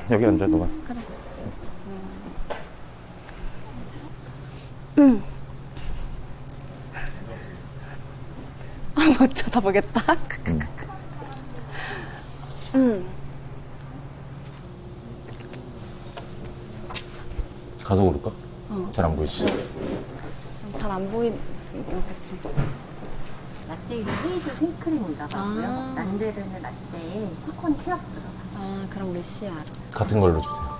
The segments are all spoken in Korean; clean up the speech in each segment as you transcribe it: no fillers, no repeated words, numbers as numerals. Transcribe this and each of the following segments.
여기 앉아, 너가. 그래. 못 쳐다보겠다. 가서 고를까? 잘 안 보이지? 잘 안 보이는 거 같지. 라떼 헤이즐 생크림 올라가고요. 아. 난데르는 라떼에 코코넛 시럽 들어가요. 아, 그럼 루시아. 같은 걸로 주세요.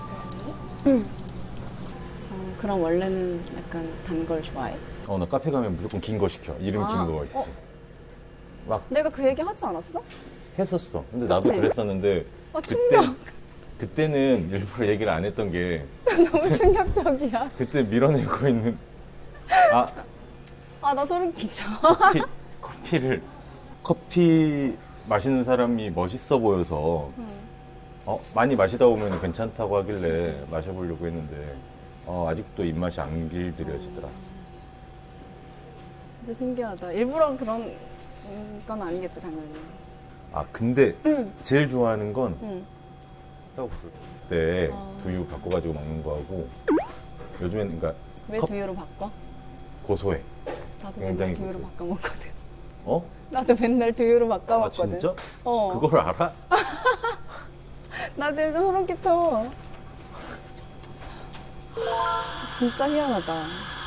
그럼 원래는 약간 단 걸 좋아해? 나 카페 가면 무조건 긴 거 시켜. 이름 긴 거 있지. 막 내가 그 얘기 하지 않았어? 했었어. 근데 나도 그치? 그랬었는데 충격. 그때는 일부러 얘기를 안 했던 게 너무 충격적이야. 그때 밀어내고 있는 아, 나 소름 끼쳐. 커피 마시는 사람이 멋있어 보여서 많이 마시다 보면 괜찮다고 하길래 마셔보려고 했는데 아직도 입맛이 안 길들여지더라. 진짜 신기하다. 일부러 그런 건 아니겠지, 당연히. 근데 제일 좋아하는 건 응. 떡볶이 때 두유 바꿔가지고 먹는 거하고 요즘엔 그러니까 왜 두유로 바꿔? 고소해. 나도 굉장히 맨날 두유로 고소해. 바꿔 먹거든. 어? 나도 맨날 두유로 바꿔 먹거든. 진짜? 어. 그걸 알아? 나 지금 좀 소름 끼쳐. 진짜 희한하다.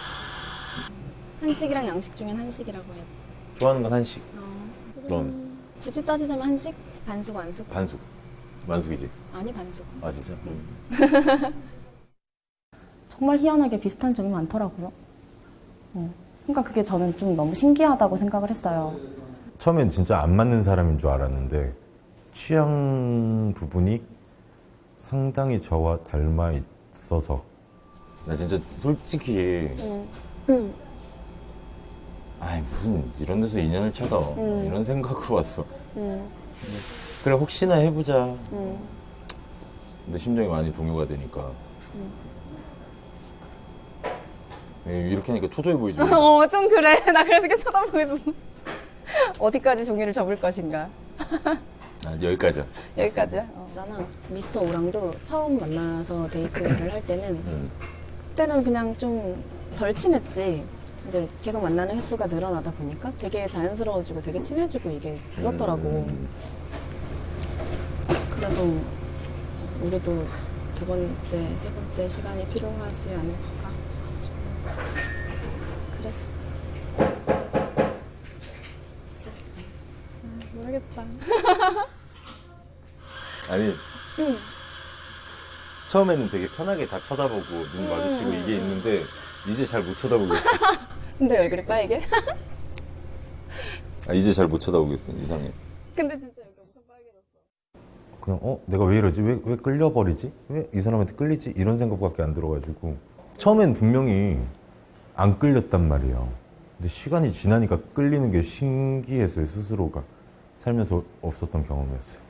한식이랑 양식 중엔 한식이라고 해. 좋아하는 건 한식. 넌? 굳이 따지자면 한식? 반숙, 완숙? 반숙. 만숙이지? 아니, 반숙. 아 진짜? 정말 희한하게 비슷한 점이 많더라고요. 그러니까 그게 저는 좀 너무 신기하다고 생각을 했어요. 처음엔 진짜 안 맞는 사람인 줄 알았는데 취향 부분이 상당히 저와 닮아 있어서 나 진짜 솔직히 아이 무슨 이런 데서 인연을 찾아 이런 생각으로 왔어. 그래 혹시나 해보자. 근데 심정이 많이 동요가 되니까 이렇게 하니까 초조해 보이지. 좀 그래. 나 그래서 이렇게 쳐다보고 있었어. 어디까지 종이를 접을 것인가. 여기까지야. 여기까지야? 있잖아. 미스터 오랑도 처음 만나서 데이트를 할 때는 그때는 그냥 좀 덜 친했지. 이제 계속 만나는 횟수가 늘어나다 보니까 되게 자연스러워지고 되게 친해지고 이게 그렇더라고. 그래서 우리도 두 번째, 세 번째 시간이 필요하지 않을까. 그랬어. 모르겠다. 아니 처음에는 되게 편하게 다 쳐다보고 눈 마주치고 이게 있는데 이제 잘 못 쳐다보겠어. 근데 얼굴이 빨개? 이제 잘 못 쳐다보겠어. 이상해. 근데 진짜 여기 엄청 빨개졌어. 그냥 내가 왜 이러지? 왜 끌려버리지? 왜 이 사람한테 끌리지? 이런 생각밖에 안 들어가지고 처음엔 분명히 안 끌렸단 말이에요. 근데 시간이 지나니까 끌리는 게 신기했어요. 스스로가 살면서 없었던 경험이었어요.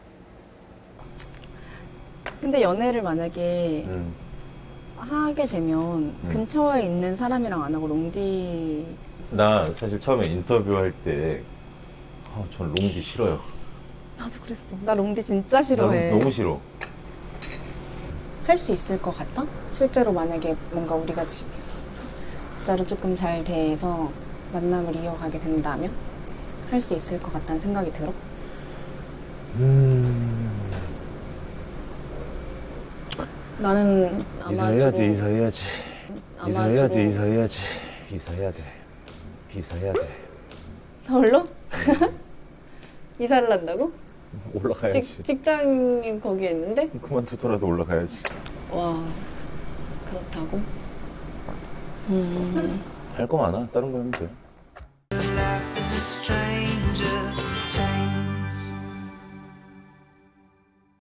근데 연애를 만약에 하게 되면 근처에 있는 사람이랑 안 하고 롱디. 나 사실 처음에 인터뷰할 때 전 롱디 싫어요. 나도 그랬어. 나 롱디 진짜 싫어해. 난 너무 싫어. 할 수 있을 것 같아? 실제로 만약에 뭔가 우리가 진짜로 조금 잘 돼서 만남을 이어가게 된다면 할 수 있을 것 같다는 생각이 들어? 나는 아마 이사해야지. 이사해야 돼. 서울로? 이사를 한다고? 올라가야지. 직장이 거기에 있는데? 그만두더라도 올라가야지. 와, 그렇다고? 할 거 많아. 다른 거 하면 돼. Life is a stranger.